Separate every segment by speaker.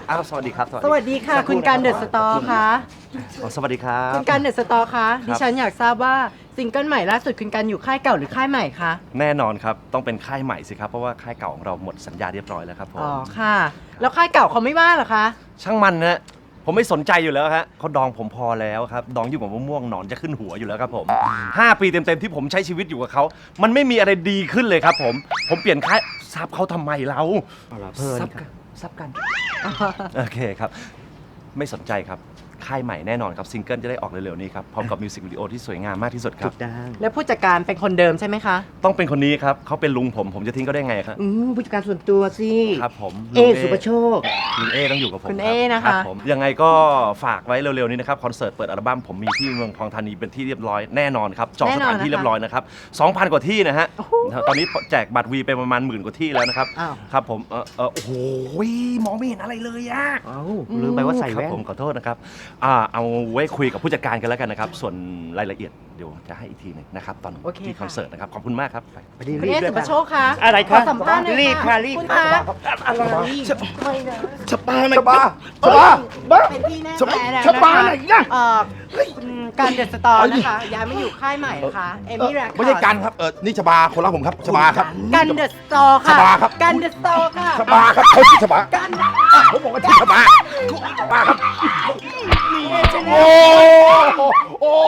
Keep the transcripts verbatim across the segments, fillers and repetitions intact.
Speaker 1: อ้าวสวัสดีครับ
Speaker 2: สวัสดีค่ะคุณการเดอะสตอร์ค่ะ
Speaker 1: สวัสดีครับ
Speaker 2: คุณการเดอะสตอร์คะดิฉันอยากทราบว่าซิงเกิลใหม่ล่าสุดคุณการอยู่ค่ายเก่าหรือค่ายใหม่คะ
Speaker 1: แน่นอนครับต้องเป็นค่ายใหม่สิครับเพราะว่าค่ายเก่าของเราหมดสัญญาเรียบร้อยแล้วครับผม
Speaker 2: อ๋อค่ะแล้วค่ายเก่าเขาไม่ว่าเหรอคะ
Speaker 1: ช่างมันนะผมไม่สนใจอยู่แล้วฮะเขาดองผมพอแล้วครับดองอยู่กับมะม่วงหนอนจะขึ้นหัวอยู่แล้วครับผมห้าปีเต็มๆที่ผมใช้ชีวิตอยู่กับเขามันไม่มีอะไรดีขึ้นเลยครับผมผมเปลี่ยนค่ายซับเขาทำไมเราซับกันซับกันโอเคครับไม่สนใจครับค่ายใหม่แน่นอนครับซิงเกิลจะได้ออกเร็วๆนี้ครับพร้อมกับมิวสิกวิดีโอที่สวยงามมากที่สุดครับ
Speaker 2: แล้วผู้จัดการเป็นคนเดิมใช่ไหมคะ
Speaker 1: ต้องเป็นคนนี้ครับเขาเป็นลุงผมผมจะทิ้งเขาได้ไงครับ
Speaker 3: อืมผู้จัดการส่วนตัวสิ
Speaker 1: ครับผม
Speaker 3: เอสุปโชค
Speaker 1: ลุงเอต้องอยู่กับผม
Speaker 2: คุณเอนะคะ
Speaker 1: ผมยังไงก็ฝากไว้เร็วๆนี้นะครับคอนเสิร์ตเปิดอัลบั้มผมมีที่เมืองทองธานีเป็นที่เรียบร้อยแน่นอนครับจองสถานที่เรียบร้อยนะครับ สองพัน กว่าที่นะฮะตอนนี้แจกบัตรวีไปประมาณหมื่นกว่าที่แล้วนะครับครับผมเออเออโอ้โหมองไม่เห็นอะไรเลยอะ
Speaker 3: อ้าวลืมไปว่าใส่แว่น
Speaker 1: ผมขอโทษนะครับอ่าเอาไว้คุยกับผู้จัดการกันแล้วกันนะครับส่วนรายละเอียดเดี๋ยวจะให้อีกทีหนึงนะครับตอนที่คอนเสิร์ตนะครับขอบคุณมากครับ
Speaker 3: พอดี
Speaker 2: คุณ
Speaker 3: รี
Speaker 2: เอบ
Speaker 3: ด้วย
Speaker 2: สุปโชคคะ
Speaker 3: อะไรค
Speaker 2: ข
Speaker 3: รั
Speaker 2: อบ สัมภาษณ์หน่อย
Speaker 3: รีบค่ะรีบ
Speaker 2: คุณ
Speaker 3: ค่ะ
Speaker 2: คะ
Speaker 3: อะไร
Speaker 4: ชบาไหนชบาชบาบ้า
Speaker 2: เป็นที่แน่
Speaker 4: ชบา
Speaker 2: แท้แล้ว
Speaker 4: ชบาไหน
Speaker 2: นะคะ
Speaker 4: นะ
Speaker 2: เอ่อคุณการเดอะสตอร์นะคะย้ายมาอยู่ค่ายใหม่นะคะเอมี่แรคคอร์ด
Speaker 4: ไม่ใช่กันครับเออนี่ชบาคนละผมครับชบาครับ
Speaker 2: กันเดอะสตอร์ค่ะ
Speaker 4: ชบาครับ
Speaker 2: กันเดอะสตอร์ค่ะ
Speaker 4: ชบาครับเขาชื่อชบา
Speaker 2: กัน
Speaker 4: ผมบอกว่าชื่อชบาชบาครับโอ้โอ้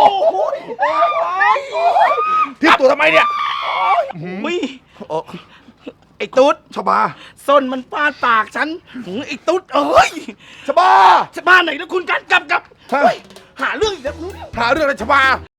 Speaker 4: ที่ตัวทำไมเนี่ย
Speaker 3: อุ้ยไอ้ตุ๊ด
Speaker 4: ชบา
Speaker 3: ส้นมันฟาดปากฉันหือไอ้ตุ๊ดเอ้ย
Speaker 4: ชบา
Speaker 3: จะบ้านไหนแล้วคุณกันกลับกลับ
Speaker 4: ฮะ
Speaker 3: เฮ้ยหาเรื่องอีกแล้ว
Speaker 4: หาเรื่องอะไรชบา